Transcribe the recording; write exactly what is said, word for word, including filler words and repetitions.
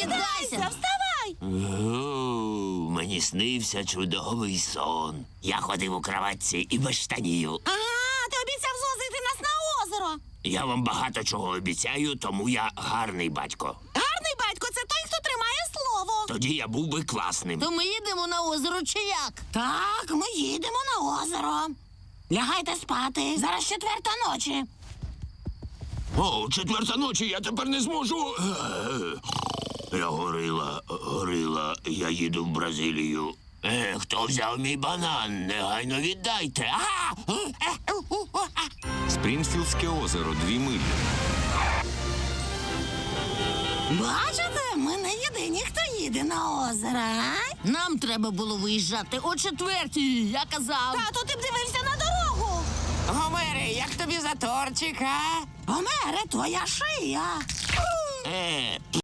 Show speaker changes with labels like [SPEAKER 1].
[SPEAKER 1] Прокидайся!
[SPEAKER 2] Вставай!
[SPEAKER 3] О, мені снився чудовий сон. Я ходив у кроватці і без штанів.
[SPEAKER 2] Ага, ти обіцяв звозити нас на озеро.
[SPEAKER 3] Я вам багато чого обіцяю, тому я гарний батько.
[SPEAKER 2] Гарний батько – це той, хто тримає слово.
[SPEAKER 3] Тоді я був би класним.
[SPEAKER 1] То ми їдемо на озеро чи як?
[SPEAKER 2] Так, ми їдемо на озеро. Лягайте спати. Зараз четверта ночі.
[SPEAKER 3] О, четверта ночі, я тепер не зможу. Я горила, горила, я їду в Бразилію. Е, хто взяв мій банан? Негайно віддайте. А!
[SPEAKER 4] Спрінфілдське озеро, дві милі.
[SPEAKER 2] Бачите, ми не єдині, хто їде на озеро, а?
[SPEAKER 1] Нам треба було виїжджати о четвертій, я казав.
[SPEAKER 2] Тату, ти б дивився на дорогу.
[SPEAKER 5] Гомере, як тобі затортик, а?
[SPEAKER 2] Гомере, твоя шия.
[SPEAKER 3] Е,